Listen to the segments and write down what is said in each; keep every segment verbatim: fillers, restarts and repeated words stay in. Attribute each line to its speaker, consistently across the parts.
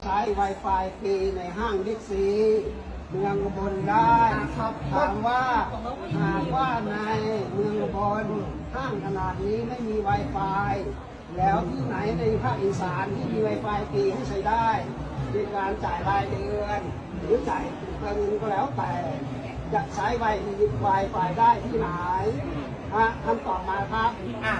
Speaker 1: ใช้ Wi-Fi ฟรีในห้างบิ๊กซีเมืองอุบลได้ครับถามว่าหากว่าในเมืองอุบลห้างขนาดนี้ไม่มี Wi-Fi แล้วที่ไหนในภาคอีสานที่มี Wi-Fi ฟรีให้ใช้ได้ในการจ่ายรายเดือนหรือจ่ายเงินก็แล้วแต่จะใช้ Wi-Fi ได้ที่ไหนฮะคำตอบมาครับอ่ะ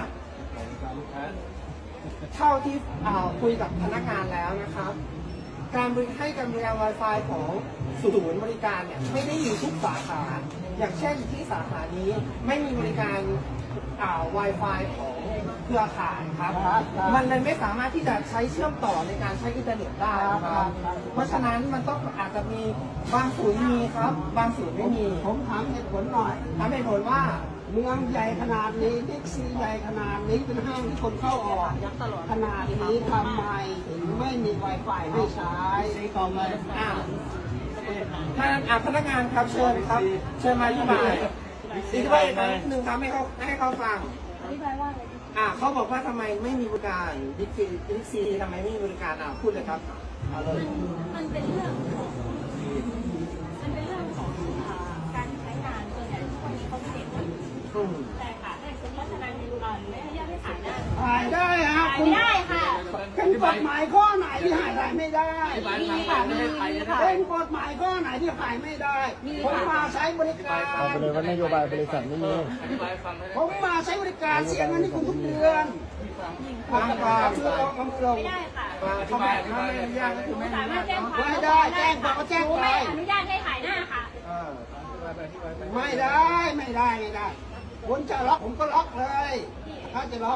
Speaker 1: เท่าที่คุยกับพนักงานแล้วนะครับการบริให้การบริการ Wi-Fi ของศูนย์บริการเนี่ยไม่ได้อยู่ทุกสาขาอย่างเช่นที่สาขานี้ไม่มีบริการอ่า Wi-Fi ของเครือข่ายครับมันเลยไม่สามารถที่จะใช้เชื่อมต่อในการใช้อินเทอร์เน็ตได้ครับเพราะฉะนั้นมันต้องอาจจะมีบางศูนย์มีครับบางศูนย์ไม่มีผมถามเหตุผลหน่อยถามเหตุผลว่าเมืองใหญ่ขนาดนี้บิ๊กซีใหญ่ขนาดนี้เป็นห้างที่คนเข้าออกขนาดนี้ทำไมถึงไม่มี Wi-Fi ให้ใช้ต่อมาอ่าท่านอ่าพนักงานครับเชิญครับเชิญมาอธิบายอธิบายนิดนึงครับให้เขาให้เขาฟัง
Speaker 2: อธิบายว่าอะไร
Speaker 1: อ่าเขาบอกว่าทำไมไม่มีบริการบิ๊กซีบิ๊กซีทำไมไม่มีบริการอ่าพูดเลยครับเอาเลย
Speaker 2: มันเป็นเรื่องของมันเป็นเรื่องของการใช้งานส่วนใหญ่ทุกวันนี้เขาไม่เด็ดแต่ค่ะแต่คุณรัชนันมีอ่าไม่ให้ญาติให้ถ่ายได้
Speaker 1: ถ่ายได้ฮะ
Speaker 2: ถ่ายไม่ได้ค่ะ
Speaker 1: เป็นกฎหมายข้อไหนที่ถ่ายได้ไม่ได้
Speaker 2: มีค่ะมีค่ะ
Speaker 1: เป็นกฎหมายข้อไหนที่ถ่ายไม่ได้ผมมาใช้บริการ
Speaker 3: เอาไปเลยว่านโยบายบริษัทไม่มี
Speaker 1: ผมมาใช้บริการเสียเงินให้คุณทุกเดือนฟังก่อนชื่อเราคำลง
Speaker 2: ไม่ได้ค่ะ
Speaker 1: เขาไม่ไม่อนุญาตก็คือไม่
Speaker 2: สามารถแจ้งความ
Speaker 1: ไม่ได้แจ้งความก็แจ้งไป
Speaker 2: ไม่อนุญาตให้ถ่ายหน้าค่ะ
Speaker 1: ไม่ได้ไม่ได้ไม่ได้คุณจะล็อกผมก็ล็อกเลยถ้าจะล็อก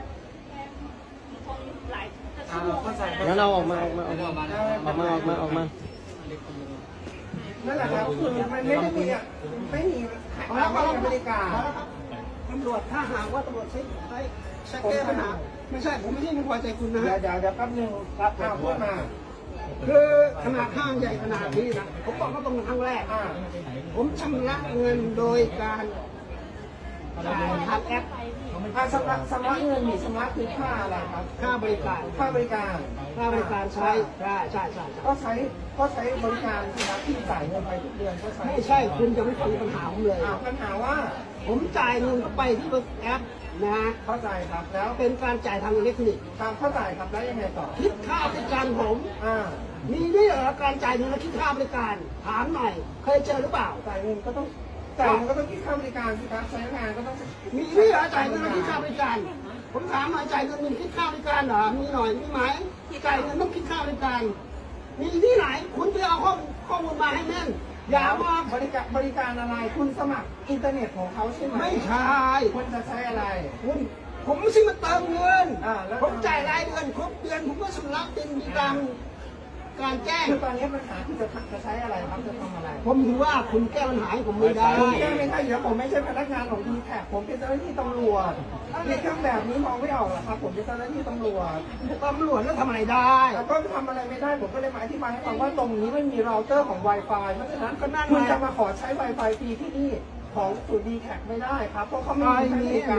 Speaker 3: งั้นเราออกมาออกมาออกมาออกมาออกมาออกมา
Speaker 1: นั่นแหละครับคือมันไม่ได้มีไม่มีแล้วก็บริการตำรวจถ้าหากว่าตำรวจใช้ใช้ใช้แก้ปัญหาไม่ใช่ผมไม่ใช่ไม่พอใจคุณนะเดี๋ยวเดี๋ยวแป๊บนึงครับพูดมาคือขนาดห้างใหญ่ขนาดนี้นะผมบอกว่าตรงครั้งแรกผมชำระเงินโดยการจ่ายทางแอปชำระชำระเงินมีชำระคือค่าอะไรครับค่าบริการค่าบริการค่าบริการใช้ใช่ใช่ใช่ก็ใช้ก็ใช้บริการที่รับที่จ่ายเงินไปทุกเดือนก็ใช้ไม่ใช่คุณจะไม่ฟังปัญหาผมเลยปัญหาว่าผมจ่ายเงินเข้าไปที่แอปนะเข้าใจครับแล้วเป็นการจ่ายทางอิเล็กทรอนิกส์ทางเข้าใจครับแล้วยังไงต่อคิดค่าบริการผมอ่ามีด้วยเหรอการจ่ายเงินและคิดค่าบริการถามหน่อยเคยเจอหรือเปล่าจ่ายเงินก็ต้องจ่ายมันก็ต้องคิดค่าบริการสิครับใช้งานก็ต้องมีด้วยเหรอจ่ายเงินและคิดค่าบริการผมถามหน่อยจ่ายเงินมีคิดค่าบริการเหรอมีหน่อยมีไหมจ่ายเงินต้องคิดค่าบริการมีที่ไหนคุณไปเอาข้อข้อมูลมาให้แม่นอย่ามาบริการบริการอะไรคุณสมัครอินเทอร์เน็ตของเขาใช่ไหมไม่ใช่คุณจะใช้อะไรคุณผมไม่ใช่มาเติมเงินผมจ่ายรายเดือนครบเดือนผมก็ชำระเป็นตามการแจ้งคือตอนนี้ปัญหาคือจะจะใช้อะไรครับจะทำอะไรผมถือว่าคุณแก้ปัญหาให้ผมไม่ได้แก้ไม่ได้เดี๋ยวผมไม่ใช่พนักงานของดีแท็กผมเป็นเจ้าหน้าที่ตำรวจในเครื่องแบบนี้มองไม่ออกหรอครับผมเป็นเจ้าหน้าที่ตำรวจตำรวจแล้วทำอะไรได้ก็ทำอะไรไม่ได้ผมก็เลยมาอธิบายให้ฟังว่าตรงนี้ไม่มีเราเตอร์ของ Wi-Fi เพราะฉะนั้นก็นั่นคุณจะมาขอใช้ Wi-Fi ฟรีที่นี่ของศูนย์ดีแท็กไม่ได้ครับเพราะเขาไม่มี